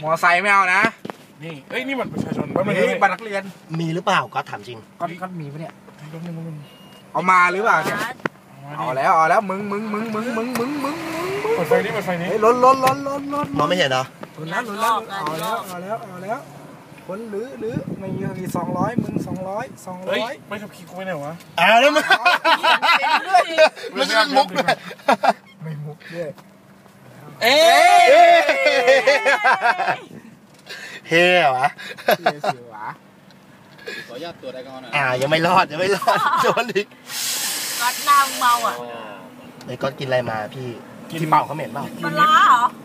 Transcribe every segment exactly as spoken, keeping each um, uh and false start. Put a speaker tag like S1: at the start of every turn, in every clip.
S1: มอไซค์ไม่เอานะ
S2: นี่เอ้ยนี่มันประชาชน
S1: นี่บัตรนักเรียน
S3: มีหรือเปล่าก็ถามจริง
S1: ก็ก็มีปะเนี่ยเอามาหรือเปล่าเนี่ยเอาแล้วเอาแล้วมึงมึงมึงมึงมึงมึงมึงมึง
S2: เปิดไฟนี้เปิดไฟนี้
S1: ล้นล้นล้นล้นล้น
S3: มองไม่เห็นเหรอ
S1: ล้นแล้วล้นแล้วเอาแล้วเอาแล้วเอาแล้วคนหรือหรือไม่มีสองร้อยมึงสองร้อยสองร้อย
S2: ไม่ขับขี่กูไปไหนวะ
S3: อ้าวแล้วมันมันจะมุกเลย
S1: ไม่มุกด้วย
S2: เอ๊
S3: เฮ้ยวะ
S1: เฮ้สิวะ
S4: ขออนุญาตตัวได้ก่อนนะ
S3: อ่ายังไม่รอดยังไม่รอดโดนอีก
S5: ก๊อตน้ำเมาอ่ะ
S3: ไอ้ก๊อตกินอะไรมาพี่กินเปล่าเขาเหม็นเปล่า
S5: ปลาเหรอ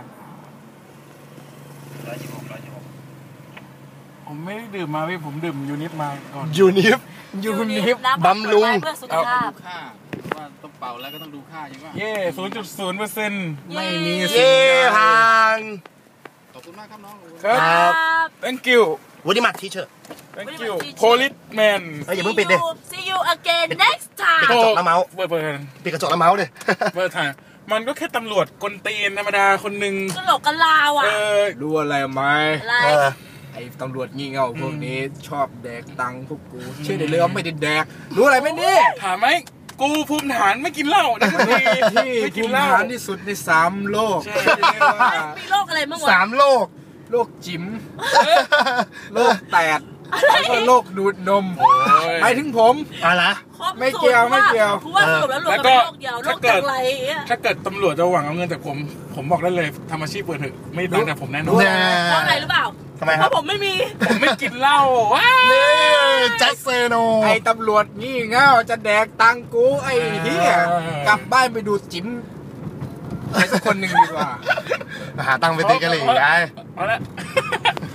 S2: ผมไม่ได้ดื่มมาพี่ผมดื่มยูนิฟมาก่อน
S3: ยูนิฟ
S1: ยูนิฟ
S3: บำรุง
S5: เพื่อสุขภาพ
S4: ค่าว่าต้องเป่าแล้วก็ต้องดูค่าใช่ไหม
S2: เย่ศูนย์จุดศูนย์เปอร์เซ็นต์
S1: ไม่มี
S3: เย่ทาง
S4: ขอบคุณมากครับน้อง
S2: ครับ thank you
S3: วันนี้มาทีเชิร์
S2: thank you policeman
S3: เฮ้ยอย่าเพิ่งปิดดิ
S5: see you again next time
S3: ปิดกระจกแล้วเมาส์
S2: เปิดเปิด
S3: ปิดกระจกแล้วเมาส์เลย
S2: เปิดถ่ายมันก็แค่ตำรวจกลตีนธรรมดาคนหนึ่ง
S5: กระโหลกกระลาวอ่ะ
S1: รู้อะไรไหม
S5: อะไร
S1: ไอ้ตำรวจงี่เง่าพวกนี้ชอบแดกตังค์พวกกูเชื่อได้เลยว่าไม่ได้แดกรู้อะไรไหมนี่
S2: ถามไหมกูภูมิฐานไม่กินเหล้านะ
S1: ที่ภูมิฐานที่สุดในสามโลก
S5: มีโรคอะไรบ้างวะ
S3: สามโลก
S1: โรคจิ๋มโรคแตดแล้วก็โรคดูดนมไปถึงผม
S3: อะไร
S1: ไม่เกี่ยวไม่เกี่ยว
S5: เพราะว่าสรุปแล้วโรคเป็นโรคเดียวโรคจากไร
S2: ถ้าเกิดตำรวจจะหวังเอาเงินจากผมผมบอกได้เลยทำอาชีพเปิดเถอะไม่บังแต่ผมแน่นอน
S5: เพราะอะไรหรือเปล่า
S3: ทำไมครับ
S5: เพราะผมไม่มี
S2: ผมไม่กินเหล้าว้า
S3: จัสเซโน
S1: ไอ้ตำรวจงี่เง่าจะแดกตังกูไอ้เหี้ยกลับบ้านไปดูจิ๋มใครสักคนหนึ่งดีกว่า
S3: หาตังค์ไปตีกันเลยไง
S2: เอาละ